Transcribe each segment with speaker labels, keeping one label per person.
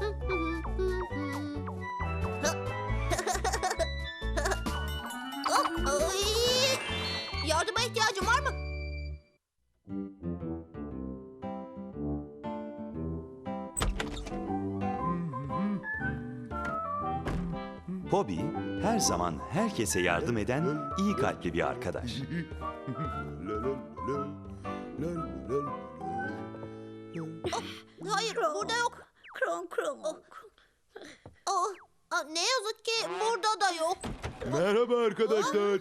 Speaker 1: Ay! Yardıma ihtiyacın var mı?
Speaker 2: Bobby her zaman herkese yardım eden iyi kalpli bir arkadaş.
Speaker 1: Hayır, burada yok.
Speaker 3: Kron kron.
Speaker 1: Ne yazık ki burada da yok.
Speaker 4: Merhaba arkadaşlar.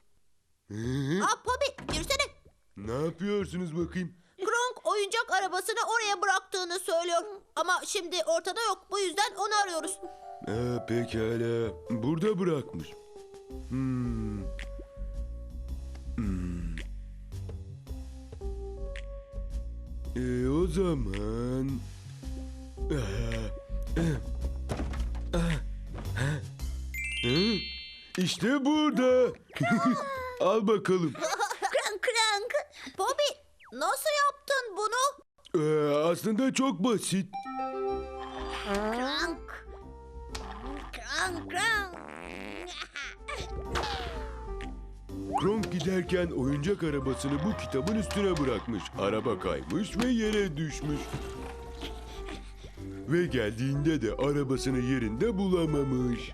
Speaker 1: Bobby, girsene.
Speaker 4: Ne yapıyorsunuz bakayım?
Speaker 1: Kronk oyuncak arabasını oraya bıraktığını söylüyor. Ama şimdi ortada yok. Bu yüzden onu arıyoruz.
Speaker 4: Pekala. Burada bırakmış. O zaman... İşte burada. Al bakalım.
Speaker 3: Krank krank.
Speaker 1: Bobby, nasıl yaptın bunu?
Speaker 4: Aslında çok basit.
Speaker 3: Krank. Krank krank.
Speaker 4: Kronk giderken oyuncak arabasını bu kitabın üstüne bırakmış. Araba kaymış ve yere düşmüş. Ve geldiğinde de arabasını yerinde bulamamış.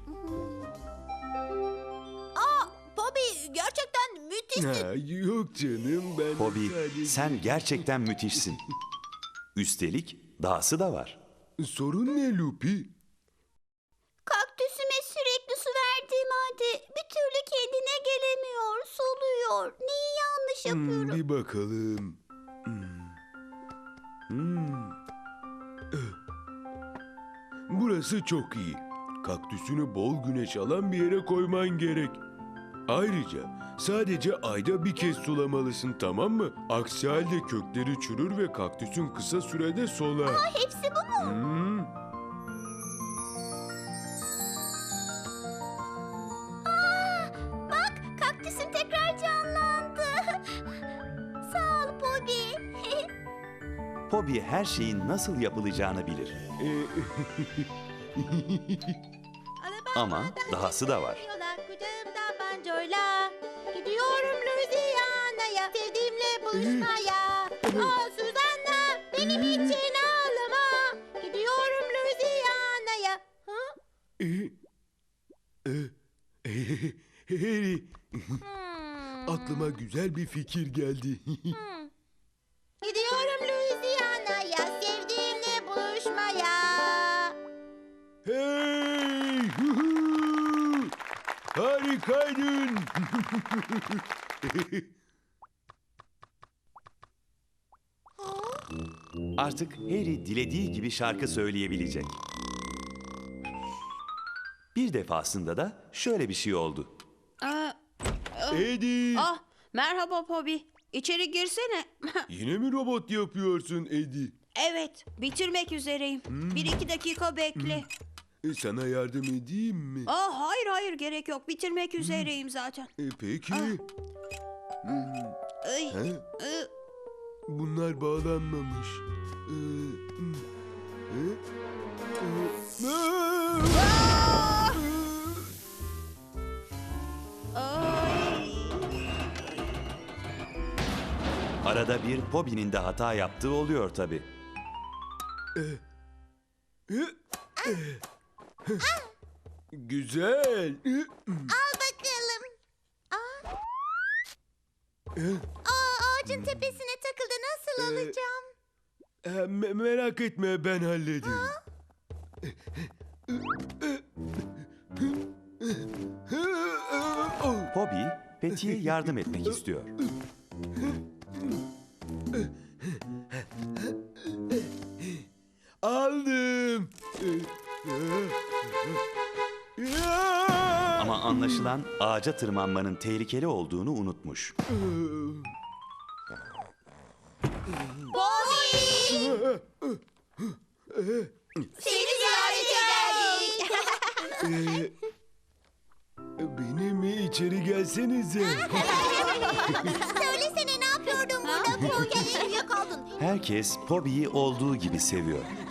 Speaker 1: Bobby, gerçekten müthişsin.
Speaker 4: Yok canım, ben
Speaker 2: Bobby,
Speaker 4: sadece...
Speaker 2: sen gerçekten müthişsin. Üstelik dahası da var.
Speaker 4: Sorun ne Lupi?
Speaker 3: Kaktüsüme sürekli su verdiğim halde bir türlü kendine gelemiyor, soluyor. Neyi yanlış yapıyorum?
Speaker 4: Bir bakalım. Burası çok iyi. Kaktüsünü bol güneş alan bir yere koyman gerek. Ayrıca sadece ayda bir kez sulamalısın, tamam mı? Aksi halde kökleri çürür ve kaktüsün kısa sürede solar.
Speaker 3: Hepsi bu mu? Bak, kaktüsüm tekrar canlandı. Sağ ol Bobby.
Speaker 2: Bobby her şeyin nasıl yapılacağını bilir. Ama dahası da var.
Speaker 3: Kucağımda banjoyla gidiyorum Louisiana'ya, sevdiğimle buluşmaya. Suzanna, benim için ağlama. Gidiyorum Louisiana'ya.
Speaker 4: Harry, aklıma güzel bir fikir geldi.
Speaker 3: Gidiyorum Louisiana'ya, sevdiğimle buluşmaya.
Speaker 4: Hey! Huhu! Harikaydın!
Speaker 2: Artık Harry dilediği gibi şarkı söyleyebilecek. Bir defasında da şöyle bir şey oldu.
Speaker 4: Eddie!
Speaker 5: Merhaba Bobby. İçeri girsene.
Speaker 4: Yine mi robot yapıyorsun Eddie?
Speaker 5: Evet, bitirmek üzereyim. 1-2 dakika bekle.
Speaker 4: Sana yardım edeyim mi?
Speaker 5: Hayır gerek yok. Bitirmek üzereyim zaten.
Speaker 4: Peki.
Speaker 5: Ay,
Speaker 4: He? Bunlar bağlanmamış.
Speaker 5: ay.
Speaker 2: Arada bir Bobby'nin de hata yaptığı oluyor tabii.
Speaker 4: Güzel.
Speaker 3: Al bakalım. Ağacın tepesine takıldı. Nasıl alacağım?
Speaker 4: Merak etme, ben hallederim.
Speaker 2: Bobby, Patty'ye yardım etmek istiyor.
Speaker 4: Aldım.
Speaker 2: Ama anlaşılan ağaca tırmanmanın tehlikeli olduğunu unutmuş.
Speaker 3: Bobby! Seni ziyarete geldik.
Speaker 4: Beni mi içeri gelsenize?
Speaker 3: Söylesene, ne yapıyordun burada Bobby?
Speaker 1: Uyuyakaldın.
Speaker 2: Herkes Bobby'yi olduğu gibi seviyor.